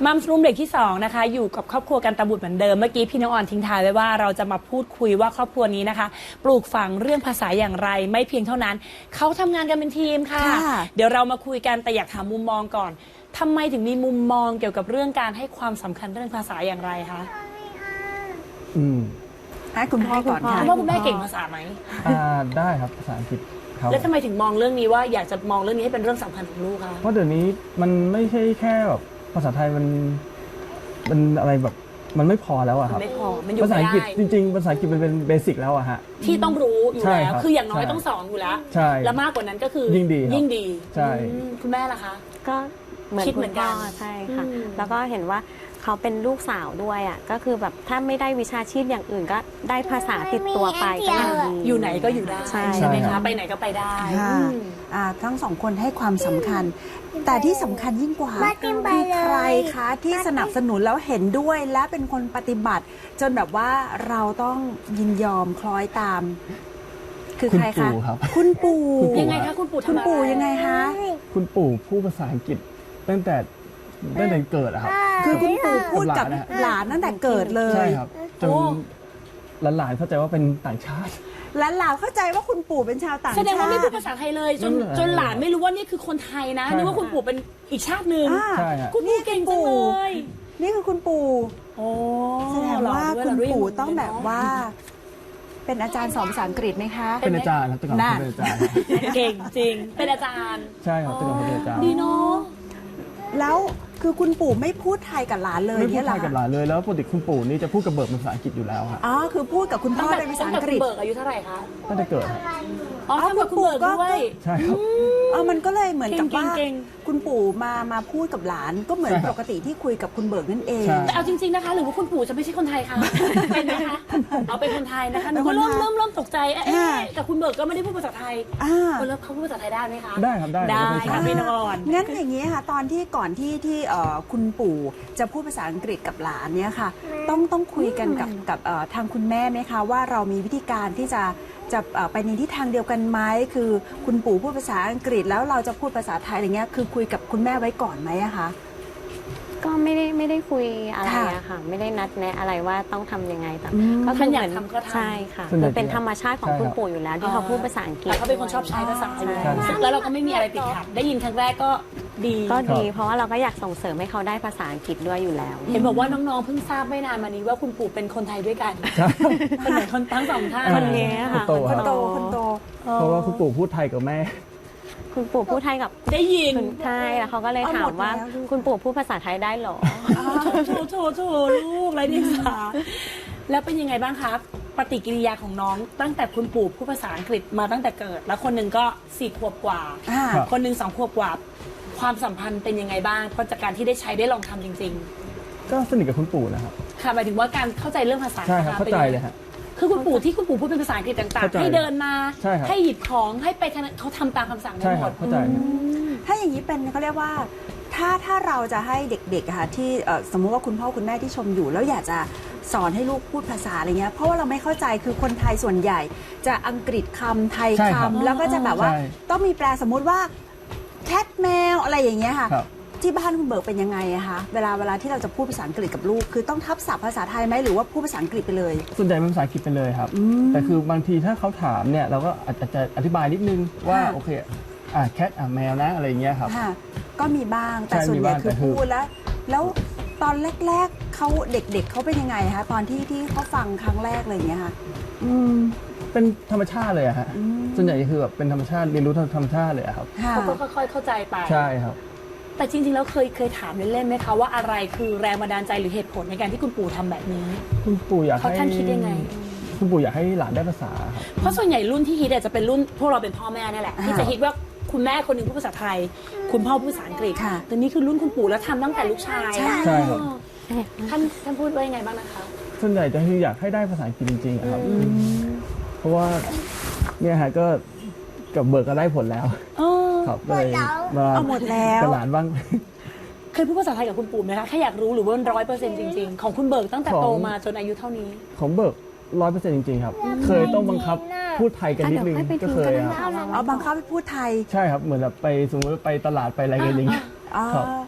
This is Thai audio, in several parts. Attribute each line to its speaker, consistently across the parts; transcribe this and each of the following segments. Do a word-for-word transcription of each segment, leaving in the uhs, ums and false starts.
Speaker 1: มัมส์รูมเบรกที่สองนะคะอยู่กับครอบครัวกันตะบุตรเหมือนเดิมเมื่อกี้พี่น้องอ่อนทิ้งท้ายไว้ว่าเราจะมาพูดคุยว่าครอบครัวนี้นะคะปลูกฝังเรื่องภาษาอย่างไรไม่เพียงเท่านั้นเขาทำงานกันเป็นทีมค่ะเดี๋ยวเรามาคุยกันแต่อยากถามมุมมองก่อนทำไมถึงมีมุมมองเกี่ยวกับเรื่องการให้ความสำคัญเรื่องภาษาอย่างไรคะ
Speaker 2: อืม
Speaker 3: ให้คุณพ่อก่อนค่ะ
Speaker 1: คุณพ่อคุณแม่เก่งภาษาไหม
Speaker 2: อ่าได้ครับภาษาอังกฤษครับ
Speaker 1: แล้วทำไมถึงมองเรื่องนี้ว่าอยากจะมองเรื่องนี้ให้เป็นเรื่องสำคัญของลูกคะ
Speaker 2: เพราะเดี๋ยวนี้มันไม่ใช่แค่แบบภาษาไทยมันมันอะไรแบบมันไม่พอแล้วอะครับ
Speaker 1: ไม่พอมันอยู่
Speaker 2: ภาษาอังกฤษ
Speaker 1: ไม่ได้
Speaker 2: จริงๆภาษาอังกฤษมันเป็นเบสิกแล้วอะฮะ
Speaker 1: ที่ต้องรู้อยู่
Speaker 2: ใช่
Speaker 1: แล้ว
Speaker 2: ครับ
Speaker 1: คืออย่างน้อย
Speaker 2: ใช่
Speaker 1: ต้องสอนอยู่แล้ว
Speaker 2: ใช่
Speaker 1: แล้วมากกว่านั้นก็คือ
Speaker 2: ยิ่งดีครับ
Speaker 1: ยิ่งดี
Speaker 2: ใช่
Speaker 1: อืมคุณแม่ล่ะคะ
Speaker 4: ก็เหมือน
Speaker 1: คิด
Speaker 4: คุ
Speaker 1: เหมื
Speaker 4: ณ
Speaker 1: อนกั
Speaker 4: พ่
Speaker 1: น
Speaker 4: อใช่ค่ะ
Speaker 1: อืม
Speaker 4: แล้วก็เห็นว่าเขาเป็นลูกสาวด้วยอ่ะก็คือแบบถ้าไม่ได้วิชาชีพอย่างอื่นก็ได้ภาษาติดตัวไปก็ยังดี
Speaker 1: อยู่ไหนก็อยู่ได้
Speaker 4: ใช่
Speaker 1: ใช่ไหม
Speaker 2: ใช่ครั
Speaker 1: คะ
Speaker 2: บ
Speaker 1: ไปไหนก็ไปได้
Speaker 3: ค่ะ
Speaker 1: อืม
Speaker 3: อ่าทั้งสองคนให้ความสำคัญ แต่ที่สำคัญยิ่งกว่าคือใครคะที่สนับสนุนแล้วเห็นด้วยและเป็นคนปฏิบัติ จนแบบว่าเราต้องยินยอมคล้อยตาม คือ
Speaker 2: คุณ
Speaker 3: ใครคะ
Speaker 2: ปู่ครับ
Speaker 3: คุณปู่
Speaker 2: คุณปู่
Speaker 1: ยังไงคะคุณปู่ทำ
Speaker 3: คุณ
Speaker 1: อะไร
Speaker 3: ปู่ยังไงคะ
Speaker 2: คุณปู่พูดภาษาอังกฤษตั้งแต่ตั้งแต่เกิดอะครับ
Speaker 3: คือคุณปู่พูดกับ
Speaker 2: กับหลานนะฮะ
Speaker 3: หลานตั้งแต่เกิดเลย
Speaker 2: ใช่ครับจนหลานๆเข้าใจว่าเป็นต่างชาติ
Speaker 3: และหลานเข้าใจว่าคุณปู่เป็นชาวต่างชา
Speaker 1: แส
Speaker 3: ติ
Speaker 1: ดงว่าไม่พูดภาษาไทยเลยจน
Speaker 2: ไม่พูด
Speaker 1: จนหลานไม่รู้ว่านี่คือคนไทยนะ
Speaker 2: ใช่
Speaker 1: นึกว่าคุณปู่เป็นอีกชาติหนึ่ง
Speaker 3: อ่า
Speaker 2: ใช่ฮะ
Speaker 1: คุณปู่เก่งจังเลย
Speaker 3: นี่คือคุณปู่
Speaker 1: โอ้
Speaker 3: แสดงว่า
Speaker 1: หล่
Speaker 3: คุณ
Speaker 1: ด้วย
Speaker 3: ปู่
Speaker 1: หล่ด้วย
Speaker 3: ต้องแบบว่า เป็นอาจารย์สอนภาษาอังกฤษไหมคะ
Speaker 2: เป็นอาจารย์ครับแต่ก่อน
Speaker 3: น่ะ
Speaker 2: เป็นอาจารย์ครับ
Speaker 1: เก่งจริงเป็นอาจารย์
Speaker 2: ใช่ครับแต่ก่อนเป็นอาจารย์
Speaker 1: ดีเนาะ
Speaker 3: แล้วคือคุณปู่ไม่พูดไทยกับหลานเลย
Speaker 2: ไม่พู
Speaker 3: เนี่
Speaker 2: ด
Speaker 3: ยเห
Speaker 2: ไท
Speaker 3: รอย
Speaker 2: กับหลานเลยแล้วปกติคุณปู่นี่จะพูดกับเบิร์ดเป็นภาษาอังกฤษอยู่แล้วครับ
Speaker 3: อ๋อคือพูดกับคุณพ่
Speaker 1: ตั้
Speaker 3: อง
Speaker 1: แต่
Speaker 3: เป็นภาษา
Speaker 1: ตั้ง
Speaker 3: อั
Speaker 1: แต่
Speaker 3: งก
Speaker 1: คุ
Speaker 3: ฤ
Speaker 1: ณ
Speaker 3: ษ
Speaker 1: เบิกอายุเท่าไหร่คะ
Speaker 2: ตั้งแต่เกิดครับ
Speaker 1: อ๋อ
Speaker 3: อ๋อ
Speaker 1: ทำกับ
Speaker 3: คุ
Speaker 1: คุณ
Speaker 3: ณปู่
Speaker 1: เบิก
Speaker 3: ก็
Speaker 1: ด้วย
Speaker 2: ใช่ครับ
Speaker 3: เออมันก็เลยเหมือนกับว่า
Speaker 1: เก่ง
Speaker 3: คุณปู่มามาพูดกับหลานก็เหมือน
Speaker 2: ใช่ครับ
Speaker 3: ปกติที่คุยกับคุณเบิกนั่นเอง
Speaker 2: ใช่
Speaker 1: แต่เอาจริงๆนะคะหรือว่าคุณปู่จะไม่ใช่คนไทยคะเป็นไหมคะเอาเป็นคนไทยนะคะหนูก็
Speaker 3: เป็นคนไทย
Speaker 1: เริ่มเริ่มเริ่มตกใจเอ๊ะ
Speaker 3: อ่า
Speaker 1: แต่คุณเบิกก็ไม่ได้พูดภาษาไทย
Speaker 3: อ่า
Speaker 1: คนแล้วเขาพูดภาษาไทยได้ไหมคะ
Speaker 2: ได้ครับได้
Speaker 1: ได้
Speaker 2: เป็นภาษา
Speaker 1: ค่ะพี่นอน
Speaker 3: งั้นอย่างนี้ค่ะตอนที่ก่อนที่ที่เอ่อคุณปู่จะพูดภาษาอังกฤษกับหลานเนี่ยค่ะ ต้องต้องคุยกันกับกับเอ่อทางคุณแม่ไหมคะว่าเรามีวิธีการที่จะจะเอ่อไปในทิศทางเดียวกันไหมคือคุณปู่พูดภาษาอังกฤษแล้วเราจะพูดภาษาไทยอะไรเงี้ยคือคุยกับคุณแม่ไว้ก่อนไหมอะคะ
Speaker 4: ก็ไม่ได้ไม่ได้คุยอะไร
Speaker 3: ค่ะ
Speaker 4: อะค่ะ ไม่ได้นัดแนะอะไรว่าต้องทำยังไงแต่
Speaker 3: อืม
Speaker 4: ก็
Speaker 1: ท่านอยาก
Speaker 4: เหมื
Speaker 1: ทำก็ทำ
Speaker 4: ใช่ค่ะ
Speaker 2: ส่วนใหญ่
Speaker 4: มันเป็นธรรมชาติของ
Speaker 2: ใช่
Speaker 4: คุณ
Speaker 2: ครับ
Speaker 4: ปู่อยู่แล้วที่เขาพูดภาษาอังกฤษ
Speaker 1: แต่เขาเป็นคนชอบใช้ภาษาอยู่
Speaker 4: ใช่
Speaker 1: แล้วแล้วเราก็ไม่มีอะไรติดขัดได้ยินครั้งแรกก็ดี
Speaker 4: ก็ดีเพราะว่าเราก็อยากส่งเสริมให้เขาได้ภาษาอังกฤษด้วยอยู่แล้ว
Speaker 1: เห็นบอกว่าน้องๆเพิ่งทราบไม่นานมานี้ว่าคุณปู่เป็นคนไทยด้วยกันเป็นเหมือนคนทั้งสองท่าน
Speaker 4: คนนี้ค่ะ
Speaker 2: คนโต
Speaker 3: ค
Speaker 2: ครั
Speaker 3: น
Speaker 2: บ
Speaker 3: โตคนโต
Speaker 2: เพราะว่าคุณปู่พูดไทยกับแม่
Speaker 4: คุณปู่พูดไทยกับ
Speaker 1: ได้ยิน
Speaker 4: คุณไทยแล้วเขาก็เลย
Speaker 3: เอา
Speaker 4: ถา
Speaker 3: หม
Speaker 4: ม
Speaker 3: ด
Speaker 4: ว่า
Speaker 3: แล้วลูก
Speaker 4: คุณปู่พูดภาษาไทยได้เหรอ
Speaker 1: โถโถโถลูกไรเดียงสาแล้วเป็นยังไงบ้างครับปฏิกิริยาของน้องตั้งแต่คุณปู่พูดภาษาอังกฤษมาตั้งแต่เกิด แล้วคนหนึ่งก็สี่ขวบกว่า
Speaker 3: อ่า
Speaker 2: ครับ
Speaker 1: คนหนึ่งสองขวบกว่า ความสัมพันธ์เป็นยังไงบ้างเพราะจากการที่ได้ใช้ได้ลองทำจริง
Speaker 2: ก็สนิทกับคุณปู่นะครับ
Speaker 1: ๆ ค่ะหมายถึงว่าการเข้าใจเรื่องภาษา
Speaker 2: ใช่ครับ
Speaker 1: นะะ
Speaker 2: เข้าใจ
Speaker 1: ป็นงไง
Speaker 2: เลยฮะ
Speaker 1: คือคุณปู่ที่คุณปู่พูดเป็นภาษาอังกฤษต่าง
Speaker 2: เข้า
Speaker 1: ๆ
Speaker 2: ใจ
Speaker 1: ให้เดินมา
Speaker 2: ใช่ครับ
Speaker 1: ให้หยิบของให้ไปทางนั้นเขาทำตามคำสั่งได้
Speaker 2: ใช่
Speaker 1: ห
Speaker 2: ค
Speaker 1: ม
Speaker 2: รั
Speaker 1: ด
Speaker 2: บเข้าใจครับ
Speaker 3: ถ้าอย่างนี้เป็นเขาเรียกว่าถ้าถ้าเราจะให้เด็กๆอะค่ะที่เอ่อสมมุติว่าคุณพ่อคุณแม่ที่ชมอยู่ แล้วอยากจะสอนให้ลูกพูดภาษาอะไรเงี้ยเพราะว่าเราไม่เข้าใจคือคนไทยส่วนใหญ่ จะอังกฤษคำไทย
Speaker 2: ใช่ครับ
Speaker 3: คำแล้วก็จะแบบว่า
Speaker 2: ใช่
Speaker 3: ต้องมีแปลสมมุติว่าแคทแมวอะไรอย่างเงี้ยค่ะ
Speaker 2: ครับ
Speaker 3: ที่บ้านคุณเบิร์กเป็นยังไงอะคะเวลาเวลาที่เราจะพูดภาษาอังกฤษกับลูก คือต้องทับศัพท์ภาษาไทยไหมหรือว่าพูดภาษาอังกฤษไปเลย
Speaker 2: ส่วนใหญ่เป็นภาษาอังกฤษไปเลยครับ แต่คือบางทีถ้าเขาถามเนี่ยเราก็อาจจะอธิบายนิดนึงว่า
Speaker 3: ค่ะ
Speaker 2: โอเคอ่าแคทอ่ะแมวนะอะไรอย่างเงี้ยครับ
Speaker 3: ค่ะก็มีบ้างแต่
Speaker 2: ใช่
Speaker 3: ส่วนใหญ่
Speaker 2: มีบ้าง
Speaker 3: คือ
Speaker 2: แต่คือ
Speaker 3: พูดแล้ว แล้วตอนแรกๆเขาเด็กๆเขาเป็นยังไงคะตอนที่ที่เขาฟังครั้งแรกอะไรอย่างเงี้ยค่ะ
Speaker 2: อืมเป็นธรรมชาติเลยอะฮะ
Speaker 3: อืม
Speaker 2: ส่วนใหญ่คือแบบเป็นธรรมชาติเรียนรู้ธรรมชาติเลยอะครับ
Speaker 3: ค่ะ
Speaker 1: เขาก็ค่อยๆเข้าใจไป
Speaker 2: ใช่ครับ
Speaker 1: แต่จริงๆแล้วเคยเคยถามเล่นๆไหมคะว่าอะไรคือแรงบันดาลใจหรือเหตุผลในการที่คุณปู่ทำแบบนี้
Speaker 2: คุณปู่อยาก
Speaker 1: เขา
Speaker 2: ให้
Speaker 1: ท่านคิดยังไง
Speaker 2: คุณปู่อยากให้หลานได้ภาษาครับ
Speaker 1: เพราะส่วนใหญ่รุ่นที่ฮิตอาจจะเป็นรุ่นพวกเราเป็นพ่อแม่นี่แหละ
Speaker 3: อ่า
Speaker 1: ที่จะฮิตว่าคุณแม่คนหนึ่งพูดภาษาไทย คุณพ่อพูดภาษาอังกฤษ
Speaker 3: ค่ะ
Speaker 1: แต่นี่คือรุ่นคุณปู่แล้วทำตั้งแต่ลูกชาย
Speaker 3: ใช่
Speaker 2: ใช่ครับ
Speaker 1: อ๋อท่านท่านพูดว่ายังไงบ้างนะคะ
Speaker 2: ส่วนใหญ่จะคืออยากให้ได้ภาษาอังกฤษจริงๆอะครับ เพราะว่าเนี่ยฮะก็กับเบิร์กก็ได้ผลแล้ว
Speaker 1: เออ
Speaker 2: ครับก็เลยมา
Speaker 3: เอาหมดแล้ว
Speaker 2: กับหลานบ้าง
Speaker 1: เคยพูดภาษาไทยกับคุณปู่ไหมคะแค่อยากรู้หรือว่าร้อยเปอร์เซ็นต์จริงๆ ของคุณเบิร์กตั้งแต่
Speaker 2: ของ
Speaker 1: โตมาจนอายุเท่านี้
Speaker 2: ของเบิร์กร้อยเปอร์เซ็นต์จริงๆครับ เคยต้องบังคับพูดไทยกันนิดนึง
Speaker 4: อ่ะเดี๋ยว
Speaker 2: ก็
Speaker 4: ให้
Speaker 2: เค
Speaker 4: ไป
Speaker 2: ย
Speaker 4: ดูกัน
Speaker 2: ครับ
Speaker 4: นะคะ
Speaker 3: เอาบังคับให้พูดไทย
Speaker 2: ใช่ครับเหมือนแบบไปสมมติไปตลาดไปอะไรกันอย่างเงี้ย
Speaker 3: อ๋อ
Speaker 2: ครับ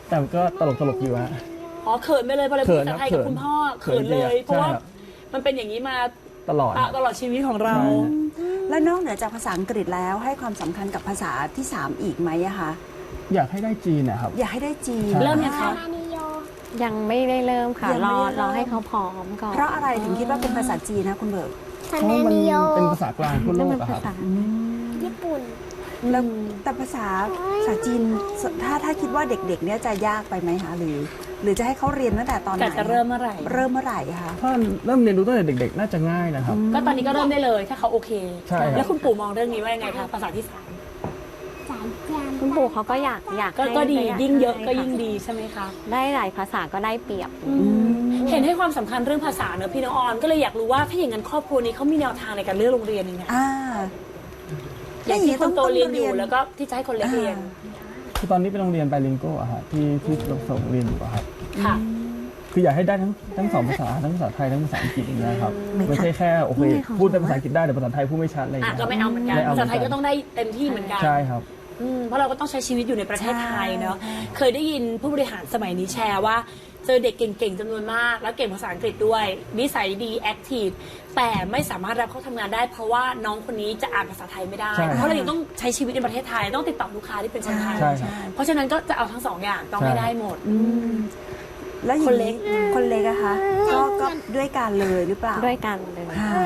Speaker 2: แต่ก็ตลกตลกๆอยู่ฮะ
Speaker 1: อ๋อเขินไปเลยพอเลย
Speaker 2: เขิ
Speaker 1: พูด
Speaker 2: น
Speaker 1: ภาษาไทย
Speaker 2: ครั
Speaker 1: กับบ คุณพ่อ
Speaker 2: เขิ
Speaker 1: เขิน
Speaker 2: น
Speaker 1: เลย
Speaker 2: จริงๆ
Speaker 1: เพราะว่า
Speaker 2: ใช่ครับ
Speaker 1: มันเป็นอย่างนี้มา
Speaker 2: ตลอด
Speaker 1: ตะตลอดชีวิตของเรา
Speaker 2: ใช่
Speaker 3: แล้วนอกเหนือจากภาษาอังกฤษแล้วให้ความสำคัญกับภาษาที่สามอีกไหมอะคะ
Speaker 2: อยากให้ได้จีนนะครับ
Speaker 3: อยากให้ได้จีน
Speaker 2: ใช่
Speaker 1: เริ่มยังคะ
Speaker 4: ยังไม่ได้เริ่มค่ะ
Speaker 3: ยัง
Speaker 4: ร
Speaker 3: ไม่
Speaker 4: อ
Speaker 3: ได้เริ่ม
Speaker 4: รอให้เขาพร้อมก่อน
Speaker 3: เพราะอะไรถึงคิดว่าเป็นภาษาจีนนะคุณเบิร์ก
Speaker 2: เพราะว่ามันเป็นภาษากลางทั่วโล
Speaker 4: นั่น
Speaker 2: ก
Speaker 4: เป็น
Speaker 2: อะค
Speaker 4: ภา
Speaker 2: รับ
Speaker 4: ษา
Speaker 5: ญี่ปุ่น
Speaker 3: แล้วแต่ภาษาภาษาจีนถ้าถ้าคิดว่าเด็กๆเนี่ยจะยากไปไหมคะหรือ หรือจะให้เขาเรียนตั้งแต่ตอนไหน
Speaker 1: แต่จะเริ่มเมื่อไหร่
Speaker 3: เริ่มเมื่อไหร่คะ
Speaker 2: ถ้าเริ่มเรียนรู้ตั้งแต่เด็กๆ น่าจะง่ายนะครับ
Speaker 1: ก็ตอนนี้ก็เริ่มได้เลยถ้าเขาโอเค
Speaker 2: ใช่ครับ
Speaker 1: แล้วคุณปู่มองเรื่องนี้ว่ายังไงคะภาษาที่สาม
Speaker 5: สายจาน
Speaker 4: คุณปู่เขาก็อยากอยาก
Speaker 1: ก็
Speaker 4: ให้
Speaker 1: ก็ดี
Speaker 4: า
Speaker 1: ยิ่งเยอะ
Speaker 4: ให้
Speaker 1: ก็ยิ่ง
Speaker 4: ค่ะ
Speaker 1: ดีใช่ไหมคะ
Speaker 4: ได้หลายภาษาก็ได้เปรียบ
Speaker 1: เห็นให้ความสำคัญเรื่องภาษาเนอะพี่น้องออนก็เลยอยากรู้ว่าถ้าอย่างนั้นครอบครัวนี้เขามีแนวทางในการเลือกโรงเรียนยังไง
Speaker 3: อ่า
Speaker 1: อย่างที่คนโตเรียนอยู่แล้วก็ที่จะให้คนเล็กเรียน
Speaker 2: คือตอนนี้เป็นโรงเรียนไบลิงโกอะฮะที่ที่เราส่งเรียนอยู่อะครับ
Speaker 1: ค่ะ
Speaker 2: คืออยากให้ได้ทั้งทั้งสองภาษาทั้งภาษาไทยทั้งภาษาอังกฤษอย่างเงี้ยครับ
Speaker 3: ไม่ค่ะ
Speaker 2: ไม่ใช่แค่โอเค
Speaker 4: ไม่ค่ะ
Speaker 2: พูดแต่ภาษาอังกฤษได้แต่ภาษาไทยพูดไม่ชัดอะไรอย่าง
Speaker 1: อ่ะ
Speaker 2: เงี้ย
Speaker 1: ก็ไม่เอาเหมือนกัน
Speaker 2: ไม่เอา
Speaker 1: ภาษาไทยก็ต้องได้เต็มที่เหมือนกัน
Speaker 2: ใช่ครับ
Speaker 1: อืมเพราะเราก็ต้องใช้ชีวิตอยู่ในประเทศไทยเนาะ เคยได้ยินผู้บริหารสมัยนี้แชร์ว่าเจอเด็กเก่งๆจำนวนมาก แล้วเก่งภาษาอังกฤษด้วยนิสัยดีแอคทีฟแต่ไม่สามารถรับเข้าทำงานได้ เพราะว่าน้องคนนี้จะอ่านภาษาไทยไม่ได้
Speaker 2: ใช่
Speaker 1: เพราะเรายังต้องใช้ชีวิตในประเทศไทยต้องติดต่อลูกค้าที่เป็นคนไทย
Speaker 2: ใช่ครับ
Speaker 1: เพราะฉะนั้นก็จะเอาทั้งสองอย่างต้องให้ได้หมด
Speaker 3: แล้วอย่าง
Speaker 1: คนเล็ก
Speaker 3: คนเล็กอะคะก็ก็ด้วยกันเลยหรือเปล่า
Speaker 4: ด้วยกันเลย
Speaker 3: ค่ะ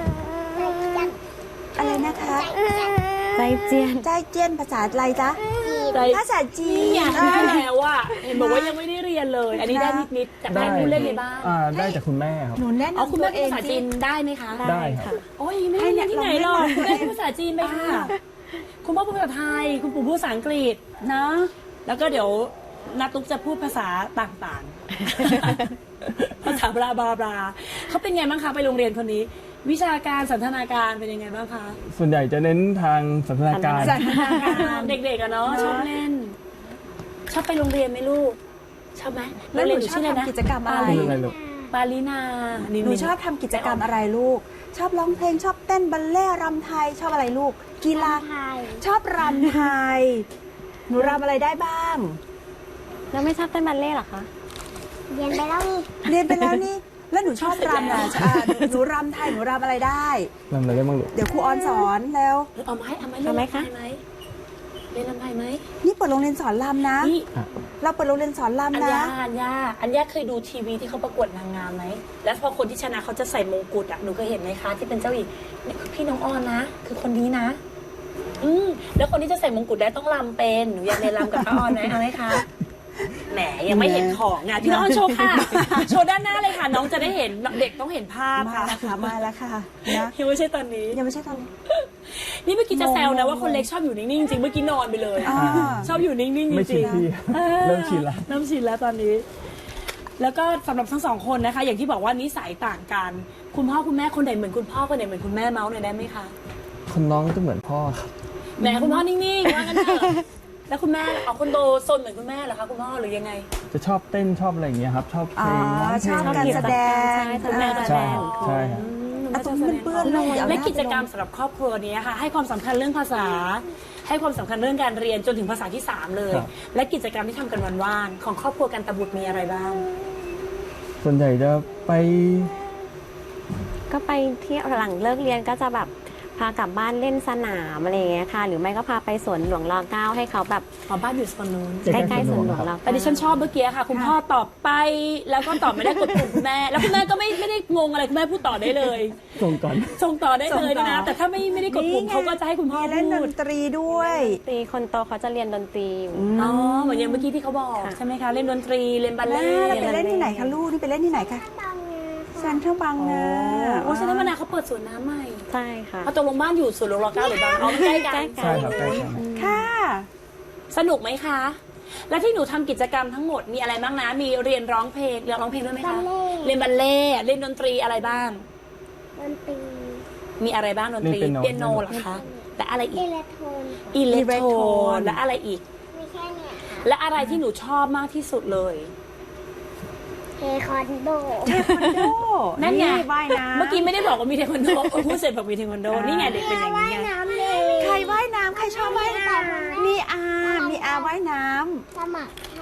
Speaker 3: อะไรนะคะ
Speaker 4: ใจเจียน
Speaker 3: ใจเจี้ยนภาษาอะไรจ๊ะ
Speaker 1: ใจ
Speaker 3: ภาษาจี
Speaker 1: นี่
Speaker 3: น
Speaker 1: ไงที่แล้วว่าเห็นบอกว่ายังไม่ได้เรียนเลย อันนี้ได้นิดๆจากได้ผู้เล่นในบ้าน
Speaker 2: อ่าได้จากคุณแม่ครับ
Speaker 3: หนูแนะ
Speaker 1: เอา
Speaker 3: นำ
Speaker 1: คุณ
Speaker 3: ตั
Speaker 1: แม่
Speaker 3: วเอ
Speaker 1: ภาง ษาจี
Speaker 3: สิ
Speaker 1: นได้ไหมคะ
Speaker 2: ได้ครับ
Speaker 1: โอ้ยไม่ได้เรียนที่ไหนหรอกคุณแม่พูดภาษาจีนไปค่ะ คุณพ่อพูดภาษาไทย คุณปู่พูดภาษาอังกฤษ
Speaker 3: เนาะ
Speaker 1: แล้วก็เดี๋ยวนาตุ๊กจะพูดภาษาต่างๆ ภาษาบลาบลาบลาเขาเป็นไงบ้างคะไปโรงเรียนคนนี้ วิชาการสันทนาการเป็นยังไงบ้างคะ
Speaker 2: ส่วนใหญ่จะเน้นทางสันทนาการ
Speaker 3: สันทนาการ
Speaker 1: เด็กๆอะเนาะชอบเล่น ชอบไปโรงเรียนไหมลูก ชอบไหม
Speaker 3: แล้วหนู
Speaker 1: โรงเรีย
Speaker 3: ชอบ
Speaker 1: ะไรนะ
Speaker 3: ทำกิจกรรมอะไร
Speaker 2: คืออะไรลูก
Speaker 1: ปาลินานี่
Speaker 3: หนูชอบทำกิจกรรมอะไรลูก ชอบร้องเพลงชอบเต้นบัลเล่ต์รำไทยชอบอะไรลูก กีฬา
Speaker 5: ไทย
Speaker 3: ชอบรำไทย หนูรำอะไรได้บ้าง
Speaker 4: แล้วไม่ชอบเต้นบัลเล่ต์เหรอคะ
Speaker 5: เรียนไปแล้วนี่
Speaker 3: เรียนไปแล้วนี่ แล้วหนูชอบรำอ่ะอ่าหนูรำไทยหนูรำอะไรได้
Speaker 2: ทำอะไรได้บ้างลูก
Speaker 3: เดี๋ยวครูออนสอนแล้ว
Speaker 1: เอาไหมเอาไหม
Speaker 4: เอาไหมคะ
Speaker 1: เล่นลำไทยไหม
Speaker 3: นี่เปิดโรงเรียนสอนรำนะ
Speaker 1: นี่
Speaker 3: เราเปิดโรงเรียนสอน
Speaker 1: อัญ
Speaker 3: รำนะ
Speaker 1: ญาอัญญาอัญญาเคยดูทีวีที่เขาประกวดนางงามไหม แล้วพอคนที่ชนะเขาจะใส่มงกุฎอ่ะ หนูเคยเห็นไหมคะที่เป็นเจ้าหญิงนี่คือพี่น้องออนนะ คือคนนี้นะ อืมแล้วคนที่จะใส่มงกุฎได้ต้องรำเป็น หนูอยากเรียนรำกับป้าออนไหมเอาไหมคะ แหมยังไม่เห็นของอ่ะพี่น้องออนโชว์ค่ะ โชว์ด้านหน้าเลยค่ะ น้องจะได้เห็น เด็กต้องเห็นภาพ
Speaker 3: มา
Speaker 1: ค่ะ
Speaker 3: แล้วค่ะ มาแล้วค่ะนะ
Speaker 1: ยังไม่ใช่ตอนนี้
Speaker 3: ยังไม่ใช่ตอนนี้
Speaker 1: นี่เมื่อกี้จะแซวนะว่าคนเล็กชอบอยู่นิ่งๆจริงเมื่อกี้นอนไปเลย
Speaker 3: อ่า
Speaker 1: ชอบอยู่นิ่งๆจริงๆ
Speaker 2: ไม่ชินที่
Speaker 1: ออ
Speaker 2: เริ่มชินแล้ว
Speaker 1: เริ่มชินแล้วตอนนี้ แล้วก็สำหรับทั้งสองคนนะคะ อย่างที่บอกว่านิสัยต่างกัน คุณพ่อคุณแม่คนไหนเหมือนคุณพ่อคนไหนเหมือนคุณแม่เมาส์หน่อยได้ไหมคะ
Speaker 2: คนน้องจะเหมือนพ่อครับ
Speaker 1: แหมคุณพ่อนิ่งๆว่างั้นเถอะแล้วคุณแม่เอาคนโตซนเหมือนคุณแม่เหรอคะคุณพ่อหรือยังไง
Speaker 2: จะชอบเต้นชอบอะไรอย่างเงี้ยครับ ชอบเพลงร้องเพล
Speaker 3: ชอบ
Speaker 2: ง
Speaker 3: การแสดง
Speaker 4: ใช่
Speaker 1: คุณแม่
Speaker 4: อ่า
Speaker 1: แสดง
Speaker 2: ใช่ครับ
Speaker 3: อ่ะตรงนี้มันเปื้อนเลยเอาห
Speaker 1: และ
Speaker 3: น้า
Speaker 1: กิจกรรมสำหรับครอบครัวนี้ค่ะ ให้ความสำคัญเรื่องภาษา ให้ความสำคัญเรื่องการเรียนจนถึงภาษาที่สามเลย
Speaker 2: ครับ
Speaker 1: และกิจกรรมที่ทำกันวันว่างของครอบครัวกันตะบุตรมีอะไรบ้าง
Speaker 2: ส่วนใหญ่จะไป
Speaker 4: ก็ไปเที่ยวหลังเลิกเรียนก็จะแบบพากลับบ้านเล่นสนามอะไรอย่างเงี้ยค่ะ หรือไม่ก็พาไปสวนหลวงรอเก้าให้เขาแบบ
Speaker 1: อ๋อบ้านอยู่โซนนู้น
Speaker 2: ใก
Speaker 4: ใก
Speaker 2: ล้
Speaker 4: ล้
Speaker 2: ๆ
Speaker 4: ๆ
Speaker 2: ส
Speaker 4: ส
Speaker 2: ว
Speaker 4: วน น
Speaker 2: ห
Speaker 4: ห
Speaker 2: ล
Speaker 4: ล
Speaker 2: ว
Speaker 4: ว
Speaker 2: ง
Speaker 4: ง
Speaker 2: ครั
Speaker 4: เรา
Speaker 2: บ
Speaker 1: แต่ดิฉันชอบเมื่อกี้ค่ะ คุณพ่อตอบไปแล้วก็ตอบไม่ได้กดปุ่มคุณแม่ แล้วคุณแม่ก็ไม่ไม่ได้งงอะไรคุณแม่พูดต่อได้เลย
Speaker 2: ส่งก่อน
Speaker 1: ส่งต่อได้เลยนะ แต่ถ้าไม่ไม่ได้กดปุ่ม
Speaker 3: นี่ไง
Speaker 1: เขาก็จะให้คุณพ่อ
Speaker 3: มีเล่นด
Speaker 1: พูด
Speaker 3: นตรีด้วย
Speaker 4: ตีคนโตเขาจะเรียนดนตรีอยู่
Speaker 1: อ๋อเหมือนอย่างเมื่อกี้ที่เขาบอก
Speaker 4: ค่ะ
Speaker 1: ใช่ไหมคะเล่นดนตรีเล่นบัล
Speaker 3: แล้
Speaker 1: เล่
Speaker 3: วเราไปเล่นที่ไหนคะลูก นี่ไปเล่นที่ไหนคะ
Speaker 5: บางงา
Speaker 3: เซ็นทรัลบางนา
Speaker 1: โอ้ใช่ไหมนาเขาเปิดสวนน้ำใหม่
Speaker 4: ใช่ค่ะ
Speaker 1: เอาตกลงบ้านอยู่สวนหลวงรอเก้าหรือบางอ๋อมันใกล้กัน
Speaker 4: ใกล้กัน
Speaker 2: ใช่ครับใกล้กัน
Speaker 3: ค่ะ
Speaker 1: สนุกไหมคะ และที่หนูทำกิจกรรมทั้งหมดมีอะไรบ้างนะ มีเรียนร้องเพลงเรียนร้องเพลงด้วยไหมคะ เรียนบัลเล่ต์เล่นดนตรีอะไรบ้าง
Speaker 5: ดนตรี
Speaker 1: มีอะไรบ้างดนตรี
Speaker 2: เล่นเปียโน
Speaker 1: เปียโนเหรอคะ และอะไรอี
Speaker 5: อิ
Speaker 1: ก
Speaker 5: เล็กโทรน
Speaker 1: อิเล็ก
Speaker 3: อิเล็ก
Speaker 1: โท
Speaker 3: โท
Speaker 1: ร
Speaker 3: รน
Speaker 1: และอะไรอีก
Speaker 5: มีแค่เนี่ยค่ะ
Speaker 1: และอะไรที่หนูชอบมากที่สุดเลย
Speaker 5: เทควันโด
Speaker 3: เทควันโด
Speaker 1: นั่นไง
Speaker 3: ว่ายน้ำ
Speaker 1: เมื่อกี้ไม่ได้บอกว่ามีเทควันโดเออพูดเสร็จบอกมีเทควันโด นี่ไงเด็กเป็นอย่างนี้ไง
Speaker 5: น้ำเลย
Speaker 3: ใครว่ายน้ำใครชอบว่ายน้ำมีอา มีอาว่ายน้ำ
Speaker 5: สมัครค่ะ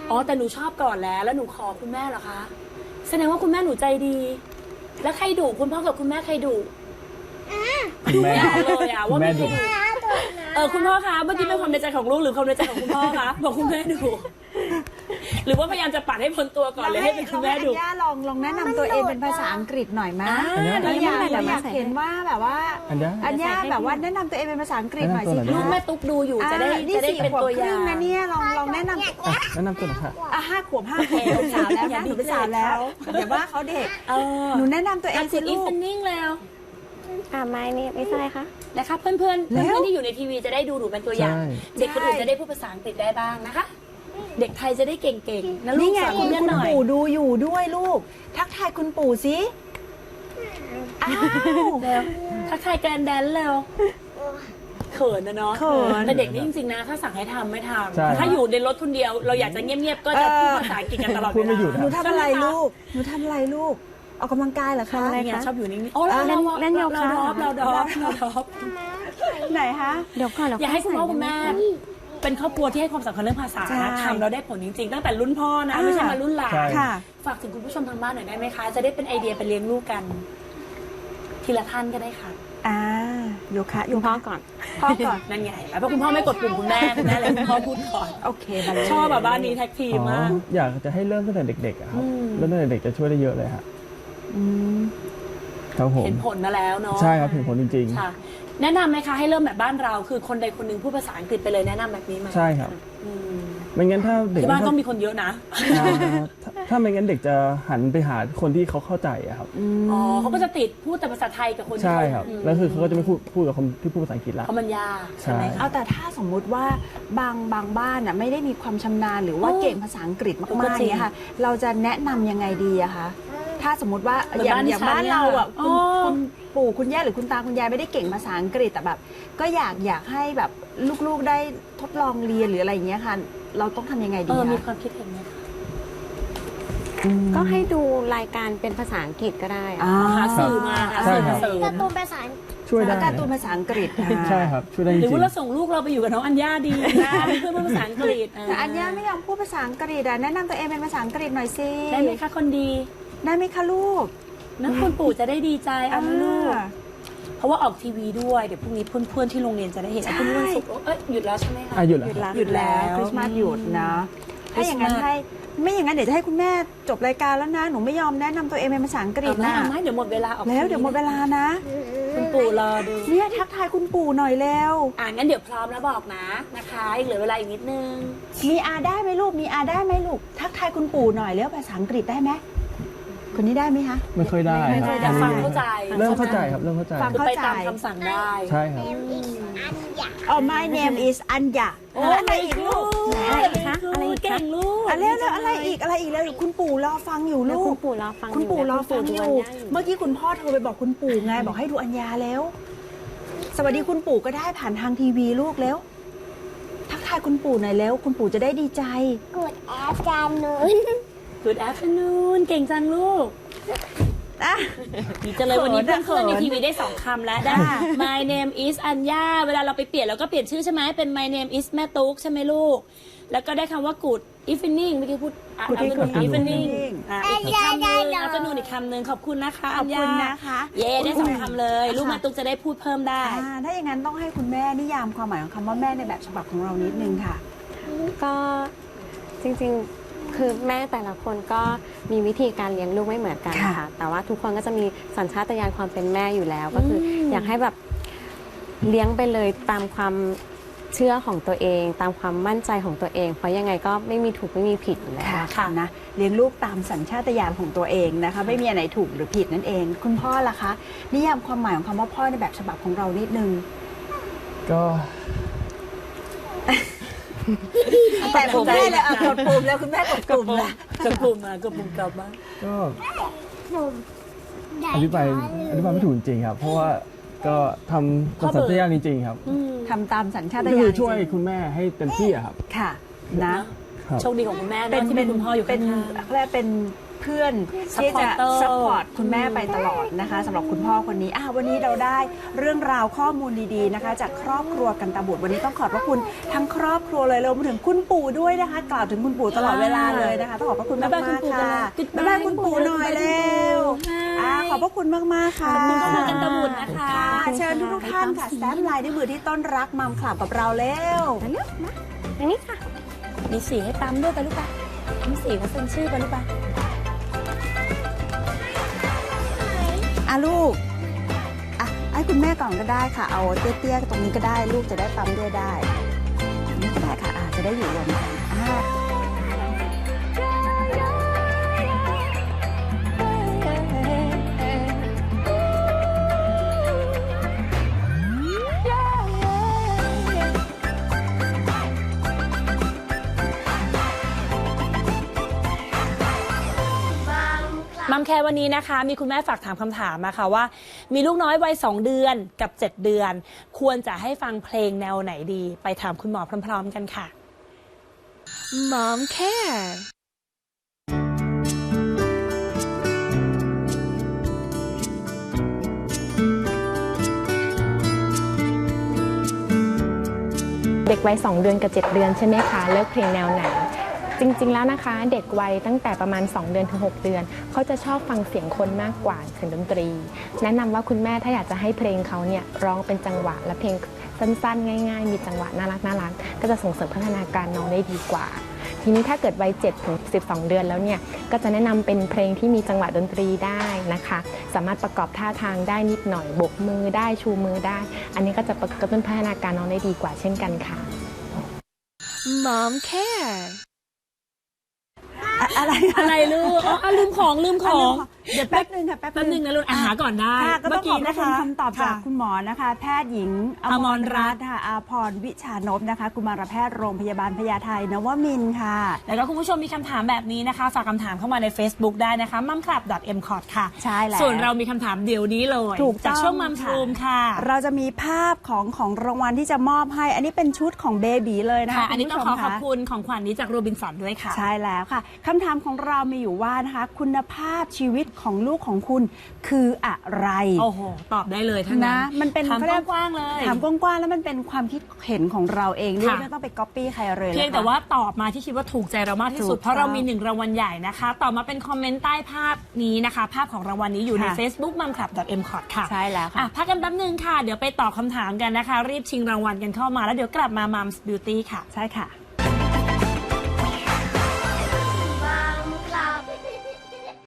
Speaker 1: อ๋อแต่หนูชอบก่อนแล้วแล้วหนูขอคุณแม่เหรอคะแสดงว่าคุณแม่หนูใจดี แล้วใครดุคุณพ่อกับคุณแม่ใครดุ
Speaker 2: คุณแม่
Speaker 1: ดูไม่ออกเลยอะ
Speaker 2: คุ
Speaker 1: ว่า
Speaker 2: ณแม่
Speaker 1: ไม่
Speaker 2: ดุ
Speaker 1: ดุเออคุณพ่อคะเมื่อกี้เป็นความในใจของลูกหรือความในใจของคุณพ่อคะบอกคุณแม่ดุหรือว่าพยายามจะปัดให้พ้นตัวก่อนเลยให้เป็นคุณแม่ดุ
Speaker 3: เราให้อัญญาลองลองแนะนำตัวเองเป็นภาษาอังกฤษหน่อยไหม
Speaker 1: อ่า
Speaker 3: เราอยาก
Speaker 4: ได้
Speaker 3: เราอยาก
Speaker 4: ได้
Speaker 3: เห็นว่าแบบว่า
Speaker 2: อัญญา
Speaker 3: อัญญาแบบว่าแนะนำตัวเองเป็นภาษาอังกฤษหน่อยสิ
Speaker 2: แนะนำตัวหน่อย
Speaker 1: ลูกแม่ตุ๊กดูอยู่จะได้
Speaker 3: อ่านี่
Speaker 1: จะได้
Speaker 3: สี่
Speaker 1: เป็น
Speaker 3: ขวบ
Speaker 1: ตัว
Speaker 3: ค
Speaker 1: อย่า
Speaker 3: รึ่
Speaker 1: ง
Speaker 3: งนะเนี่ยลองลองแนะนำ
Speaker 2: อ่ะแนะนำตัวหน่อยค่ะ
Speaker 3: อ่ะห้าขวบห้าขวบหนูเป็นสาวแล้วนะหนูเป็นสาวแล้วอย่าว่าเขาเด็ก
Speaker 1: เออ
Speaker 3: หนูแนะนำตัวเอง
Speaker 1: การ
Speaker 3: สิ
Speaker 1: สิอี
Speaker 3: ลู
Speaker 1: ฟ
Speaker 3: ก
Speaker 1: นิ่งแล้ว
Speaker 4: อ่าไม่นี่ไม่ใช่คะ
Speaker 1: นะคะเพื่อนๆเพื่อน
Speaker 3: แล้ว
Speaker 1: เพื่อนที่อยู่ในทีวีจะได้ดูหนูเป็นตัวอย่าง
Speaker 2: ใช่
Speaker 1: เด็กคนอื่นจะได้พูดภาษาอังกฤษได้บ้างนะคะ เด็กไทยจะได้เก่งๆนะลู
Speaker 3: นี่
Speaker 1: ก
Speaker 3: ไง
Speaker 1: สอน
Speaker 3: คุ
Speaker 1: คุณ ณแม่
Speaker 3: คุณ
Speaker 1: หน่อย
Speaker 3: ปู่ดูอยู่ด้วยลูก ทักทายคุณปู่สิอ้าว
Speaker 1: เร็วทักทายแกรนแดนแล้วเขินนะเนาะ
Speaker 3: เขิน
Speaker 1: แต่เด็กนี่จริงๆนะถ้าสั่งให้ทำไม่ท
Speaker 2: ใช่
Speaker 1: ำถ้าอยู่ในรถคนเดียว เราอยากจะเงียบๆก็จะพูดภาษาอังกฤษกันตลอดเว
Speaker 2: พูดไม่
Speaker 1: ลา
Speaker 2: หยุด
Speaker 3: หนูทำอะไร
Speaker 1: ใช่หมค
Speaker 3: ลูก หนูทำอะไรลูก ออกกำลังกายเหรอคะ
Speaker 4: ทำอะไร
Speaker 1: เนี่ย
Speaker 4: คะ
Speaker 1: ชอบอยู่นิ่งๆโอ้เรา
Speaker 4: เล่น
Speaker 1: เรา
Speaker 4: เล่นโยคะ
Speaker 1: เราดรอปเราดรอปเราดรอป
Speaker 3: ไหนคะ
Speaker 4: เดี๋ยวก่อนเดี๋ยว
Speaker 1: อยากให้คุณพ่อคุณแม่
Speaker 4: ใส่
Speaker 1: เป็นครอบครัวที่ให้ความสำคัญเรื่องภาษา
Speaker 3: ใช่
Speaker 1: ทำเราได้ผลจริงๆ ตั้งแต่รุ่นพ่อนะ
Speaker 3: อ่า
Speaker 1: ไม่ใช่มารุ่นหลาน
Speaker 2: ใช่
Speaker 3: ค่ะ
Speaker 1: ฝากถึงคุณผู้ชมทางบ้านหน่อยได้ไหมคะ จะได้เป็นไอเดียไปเลี้ยงลูกกัน ทีละท่านก็ได้ค่ะ
Speaker 3: อ่าโยคะโย
Speaker 4: คุณพ่อ
Speaker 3: คะ
Speaker 4: ก่อน
Speaker 3: พ่อก่อน
Speaker 1: นั่นไงแล้วเพราะคุณพ่อไม่กดปุ่มคุณแม่คุณแม่เลยคุณพ่อพูดก่อน
Speaker 3: โอเคบัลเล่
Speaker 1: ชอบแบบบ้านนี้แท็กทีม
Speaker 2: อ๋อ
Speaker 1: มาก
Speaker 2: อยากจะให้เริ่มตั้งแต่เด็กๆอะครับ
Speaker 1: อืม
Speaker 2: เริ่มตั้งแต่เด็กจะช่วยได้เยอะเลยฮะ
Speaker 3: อืม
Speaker 2: ครับผม
Speaker 1: เห็นผลมาแล้วเนาะ
Speaker 2: ใช่ครับเห็นผลจริง
Speaker 1: ค่ะ แนะนำไหมคะให้เริ่มแบบบ้านเรา คือคนใดคนหนึ่งพูดภาษาอังกฤษไปเลยแนะนำแบบนี้ไหม
Speaker 2: ๆ ใช่ครับ
Speaker 1: อืม
Speaker 2: ไม่งั้นถ้าเด็ก
Speaker 1: ที่บ้าน
Speaker 2: ไม่
Speaker 1: ต้
Speaker 2: เข้า
Speaker 1: องมีคนเยอะนะ
Speaker 2: อ่าถ้าถ้าไม่งั้นเด็กจะหันไปหาคนที่เขาเข้าใจอะครับ
Speaker 1: อ๋อเขาก็จะติดพูดแต่ภาษาไทยกับคนที่
Speaker 2: ใช่
Speaker 1: เขา
Speaker 2: ครับ
Speaker 1: ม
Speaker 2: แล้วคือเขาก็จะไม่พูดพูดกับคนที่พูดภาษาอังกฤษละ
Speaker 1: เพราะมันยากใช่ไหม
Speaker 2: ใช่
Speaker 1: คะ
Speaker 3: เอาแต่ถ้าสมมุติว่าบางบางบ้านอ่ะไม่ได้มีความชำนาญหรือว่า
Speaker 1: เออ
Speaker 3: เก่งภาษาอังกฤษ
Speaker 1: ก็
Speaker 3: มาก
Speaker 1: จริง
Speaker 3: ๆเนี่ยค่ะ เราจะแนะนำยังไงดีอะคะถ้าสมมติว่า
Speaker 1: เหมือน
Speaker 3: อย่าง
Speaker 1: บ้าน
Speaker 3: อย่าง
Speaker 1: ดิฉัน
Speaker 3: บ้านเราอ่ะ
Speaker 1: เนี่ย
Speaker 3: คุณ
Speaker 1: อ๋อ
Speaker 3: คุณปู่คุณย่าหรือคุณตาคุณยายไม่ได้เก่งภาษาอังกฤษแต่แบบ ก็อยากอยากให้แบบลูกๆได้ทดลองเรียนหรืออะไรอย่างเงี้ยค่ะ เราต้องทำยังไง
Speaker 1: เอ
Speaker 3: ดี
Speaker 1: อมี
Speaker 3: คะ
Speaker 1: ความคิดเห็นไหมคะ
Speaker 4: ก็ให้ดูรายการเป็นภาษาอังกฤษก็ได้อะ
Speaker 3: อ่า
Speaker 1: หาสื่อมาหา
Speaker 2: ใช่
Speaker 1: สื่อ
Speaker 2: ครั
Speaker 1: มา
Speaker 2: บ
Speaker 1: เสริม
Speaker 5: การ์ตูนภาษา
Speaker 2: ช่วยได้
Speaker 3: แล้วการ์ตูนภาษาอังกฤษอ่า
Speaker 2: ใช่ครับช่วยได้จ
Speaker 1: หรือ
Speaker 2: ริง
Speaker 1: ว่าเราส่งลูกเราไปอยู่กับน้องอัญญาดีนะเป็นเพื่อนพูดภาษาอังกฤษ
Speaker 3: แต่อัญญาไม่ยอมพูดภาษาอังกฤษอ่ะแนะนำตัวเองเป็นภาษาอังกฤษหน่อยสิ
Speaker 1: ได้ไหมคะคนดี
Speaker 3: ได้ไหมคะลูก
Speaker 1: นะคุณปู่จะได้ดีใจเอานะลูก
Speaker 3: อ่า
Speaker 1: เพราะว่าออกทีวีด้วยเดี๋ยวพรุ่งนี้เพื่อนๆที่โรงเรียนจะได้เห็น
Speaker 3: ใช่
Speaker 1: อ่ะพรุ่งนี้วันศุกร์เอ้ยหยุดแล้วใช่ไหมคะ
Speaker 2: อ่ะหยุดแล้ว
Speaker 3: หยุดแล้วคริสต์มาสหยุดนะ ถ้าอย่างนั้นให้ไม่อย่างนั้นเดี๋ยวจะให้คุณแม่จบรายการแล้วนะ หนูไม่ยอมแนะนำตัวเองเป็นภาษาอังกฤษ
Speaker 1: เอาไหม
Speaker 3: นะ
Speaker 1: เอาไหมเดี๋ยวหมดเวลาออก
Speaker 3: แล้วเดี๋ยวหมดเวลานะ
Speaker 1: คุณปู่รอดู
Speaker 3: เนี่ยทักทายคุณปู่หน่อยเร็ว
Speaker 1: อ่างั้นเดี๋ยวพร้อมแล้วบอกนะนะคะอีกเหลือเวลาอีกนิดนึง
Speaker 3: มีอาได้ไหมลูก มีอาได้ไหมลูก ทักทายคุณปู่หน่อยเร็วภาษาอังกฤษได้ไหมคนนี้ได้ไหมคะ
Speaker 2: ไม่ค่อยได้
Speaker 1: ไม่ค่อยได้
Speaker 2: รับ
Speaker 1: ฟังเข้าใจ
Speaker 2: เริ่มเข้าใจครับเริ่มเข้าใจ
Speaker 3: ฟัง
Speaker 1: คือไปตามคำสั่งได้
Speaker 2: ใช่ครับ
Speaker 3: อ๋อ my name is อัญญา
Speaker 1: โอ้
Speaker 3: อะไรอีกลูก
Speaker 4: อะไรอีกคะอะไรอีกคะ
Speaker 1: เก่งลูก
Speaker 3: อะไรแล้วอะไรอีกอะไรอีกแล้วคุณปู่รอฟังอยู่
Speaker 4: แล้ว
Speaker 3: ลู
Speaker 4: คุ
Speaker 3: ก
Speaker 4: ณปู่รอฟัง
Speaker 3: คุณปู่รอฟัง
Speaker 4: คุณ
Speaker 3: อ
Speaker 4: ดู
Speaker 3: ยู่
Speaker 4: อัญญาอยู่
Speaker 3: เมื่อกี้คุณพ่อโทรไปบอกคุณปู่ไง บอกให้ดูอัญญาแล้ว สวัสดีคุณปู่ก็ได้ผ่านทางทีวีลูกแล้ว ทักทายคุณปู่หน่อยแล้ว คุณปู่จะได้ดีใจ
Speaker 5: กดแอปการนูน
Speaker 1: Good afternoon เก่งจังลูก
Speaker 3: อ่ะ
Speaker 1: ดีจังเลยวันนี้
Speaker 3: เขินอะ
Speaker 1: เพื่อนๆใน
Speaker 3: เขิน
Speaker 1: ทีวีได้สองคำแล้วได้
Speaker 3: ค่ะ
Speaker 1: My name is อัญญาเวลาเราไปเปลี่ยนเราก็เปลี่ยนชื่อใช่ไหมเป็น My name is แม่ตุ๊กใช่ไหมลูก แล้วก็ได้คำว่า Good evening เมื่อกี้พูดอ่ะ
Speaker 3: Good
Speaker 1: เอาเป็น
Speaker 3: evening
Speaker 1: evening อ่ะอีกคำหนึง afternoon อีกคำหนึงขอบคุณนะคะ
Speaker 3: ขอบคุณ
Speaker 1: ญญา
Speaker 3: นะคะ
Speaker 1: เย้ได้สองคำเลย ลูกแม่ตุ๊กจะได้พูดเพิ่มได้
Speaker 3: อ่าถ้าอย่างนั้นต้องให้คุณแม่นิยามความหมายของคำว่าแม่ในแบบฉบับของเรานิดนึงค่ะ
Speaker 4: ก็จริงๆคือแม่แต่ละคนก็มีวิธีการเลี้ยงลูกไม่เหมือนกัน
Speaker 3: ค่ะ
Speaker 4: ค่ะ แต่ว่าทุกคนก็จะมีสัญชาตญาณความเป็นแม่อยู่แล้ว ก็คือออยากให้แบบเลี้ยงไปเลยตามความเชื่อของตัวเอง ตามความมั่นใจของตัวเอง เพราะยังไงก็ไม่มีถูกไม่มีผิดอยู่แล้ว
Speaker 3: ค่ะค่ะนะเลี้ยงลูกตามสัญชาตญาณของตัวเองนะคะ ไม่มีอันไหนถูกหรือผิดนั่นเอง คุณพ่อล่ะคะ นิยามความหมายของคำว่าพ่อในแบบฉบับของเรานิดนึง
Speaker 2: ก็
Speaker 3: แต่คุณแม่เลยอ่ะกดปุ่มแล้วคุณแม่กดปุ่มแล้ว
Speaker 1: กดปุ่มมากดปุ่มกลับมา
Speaker 2: ก็
Speaker 5: ผมใหญ่
Speaker 2: อธิบายอธิบายไม่ถูกจริงๆครับ เพราะว่าก็ทำตามสัญชาตญาณจริงๆครับ
Speaker 1: อืม
Speaker 3: ทำตามสัญชาต
Speaker 2: ก็
Speaker 3: ญาณ
Speaker 2: คือช่วย
Speaker 3: จริง
Speaker 2: คุณแม่ให้เต็มที่อะครับ
Speaker 3: ๆค่ะนะ
Speaker 2: ครับ
Speaker 1: โชคดีของคุณแม่เนอะที่มีคุณพ่ออยู่
Speaker 3: เป็
Speaker 1: ข้าน ง
Speaker 3: เขาเรียกเป็นเพื่อนที่จะ
Speaker 1: Supporter
Speaker 3: ซัพพอร์ตคุณแม่ไปตลอดนะคะสำหรับคุณพ่อคนนี้อ่ะวันนี้เราได้เรื่องราวข้อมูลดีๆนะคะ จากครอบครัวกันตบุตรวันนี้ต้องขอบพระคุณทั้งครอบครัวเลยรวมถึงคุณปู่ด้วยนะคะ กล่าวถึงคุณปู่ตลอดเวลาเลยนะคะต้องขอบพระคุณมาก
Speaker 1: บ๊ายบายคุณปู่
Speaker 3: ๆค่ะ
Speaker 1: กันเลย
Speaker 3: บ๊ายบายคุณปู่หน่อยเร็วอ่ะขอบพระคุณมากๆค่ะ
Speaker 1: ขอบคุณครอบครัวกันตบุตรนะคะ
Speaker 3: ค่ะเชิญทุกๆท่านค่ะแซมลายด้วยมือที่ต้นรักมัมคลับกับเราเร็ว
Speaker 4: เร็วนะอันนี้ค่ะ
Speaker 1: มีสีให้ปั๊มด้วยไปลูกปะมีสีมาเซ็นชื่อไปลูกปะ
Speaker 3: อ่ะลูกอ่ะให้คุณแม่ก่อนก็ได้ค่ะ เอาเตี้ยๆตรงนี้ก็ได้ลูกจะได้ปั๊มด้วยได้นี่ก็ได้ค่ะอ่ะจะได้อยู่รวมกันอ่ะ
Speaker 1: มัมแคร์วันนี้นะคะมีคุณแม่ฝากถามคำถามมาค่ะว่ามีลูกน้อยวัยสองเดือนกับเจ็ดเดือน ควรจะให้ฟังเพลงแนวไหนดีไปถามคุณหมอพร้อมๆกันค่ะ Mom Care
Speaker 6: เด็กวัยสองเดือนกับเจ็ดเดือนใช่ไหมคะเลือกเพลงแนวไหนจริงๆแล้วนะคะเด็กวัยตั้งแต่ประมาณสองเดือนถึงหกเดือนเขาจะชอบฟังเสียงคนมากกว่าเสียงดนตรีแนะนำว่าคุณแม่ถ้าอยากจะให้เพลงเขาเนี่ยร้องเป็นจังหวะและเพลงสั้นๆง่ายๆมีจังหวะน่ารักน่ารักก็จะส่งเสริมพัฒนาการน้องได้ดีกว่าทีนี้ถ้าเกิดวัยเจ็ดถึงสิบสองเดือนแล้วเนี่ยก็จะแนะนำเป็นเพลงที่มีจังหวะดนตรีได้นะคะสามารถประกอบท่าทางได้นิดหน่อยโบกมือได้ชูมือได้อันนี้ก็จะกระตุ้นพัฒนาการน้องได้ดีกว่าเช่นกันค่ะ
Speaker 1: Mom Care
Speaker 3: อะอะไร
Speaker 1: อะไรลูกอ๋อลืมของลืมของ
Speaker 3: เดี๋ยวแป๊บนึงค่ะแป๊บ
Speaker 1: แป๊บนึงนะลูกอาหาก่อนได้
Speaker 3: ค่ะก็ต้องขอบพระคุณคำตอบจาก
Speaker 1: ค่ะ
Speaker 3: คุณหมอนะคะ แพทย์หญิงอ
Speaker 1: อ
Speaker 3: ม
Speaker 1: ม
Speaker 3: ร
Speaker 1: รรั
Speaker 3: รั
Speaker 1: ต
Speaker 3: ต
Speaker 1: น์
Speaker 3: น์ค่ะอาพรวิชานพนะคะกุมารแพทย์โรงพยาบาลพญาไทนวมินทร์ค่ะ
Speaker 1: แล้วก็คุณผู้ชมมีคำถามแบบนี้นะคะฝากคำถามเข้ามาใน Facebook ได้นะคะ มัมคลับ เอ็ม คอร์ด ค่ะ
Speaker 3: ใช่แล้ว
Speaker 1: ส่วนเรามีคำถามเดี๋ยวนี้เลย
Speaker 3: ถูกต้อง
Speaker 1: จากช่วงมัม
Speaker 3: ค่ะ
Speaker 1: รูมค่ะ
Speaker 3: เราจะมีภาพของของรางวัลที่จะมอบให้ อันนี้เป็นชุดของเบบีเลยนะคะ
Speaker 1: ค่ะ อันนี้ต้องขอ
Speaker 3: ณผู้ชม
Speaker 1: ขอบ
Speaker 3: ค่ะ
Speaker 1: คุณของขวัญนี้จากโรบินสันด้วยค่ะ
Speaker 3: ใช่แล้วค่ะคำถามของเรามีอยู่ว่านะคะคุณภาพชีวิตของลูกของคุณคืออะไร
Speaker 1: โอ้โห ตอบได้เลยทั้งนั้
Speaker 3: นะ
Speaker 1: น
Speaker 3: มันเป็น
Speaker 1: ถาม
Speaker 3: เขาเรีย
Speaker 1: กว้างๆเลย
Speaker 3: ถามกว้างๆแล้วมันเป็นความคิดเห็นของเราเองด้วย
Speaker 1: ค่ะ
Speaker 3: ไม่ต้องไปก๊อปปี้ใครเลย
Speaker 1: เพียง
Speaker 3: นะคะ
Speaker 1: แต่ว่าตอบมาที่คิดว่าถูกใจเรามากที่สุด
Speaker 3: ถูกต้อง
Speaker 1: เพราะเรามีหนึ่งรางวัลใหญ่นะคะตอบมาเป็นคอมเมนต์ใต้ภาพนี้นะคะ ภาพของรางวัลนี้อยู่ใน
Speaker 3: ค่ะ
Speaker 1: Facebook มัมคลับ เอ็ม คอร์ด ค่ะ
Speaker 3: ใช่แล้วค่ะ
Speaker 1: อ่ะพักกันแป๊บนึงค่ะ เดี๋ยวไปตอบคำถามกันนะคะ รีบชิงรางวัลกันเข้ามาแล้วเดี๋ยวกลับมา Mom's Beauty ค่ะ
Speaker 3: ใช่ค่ะ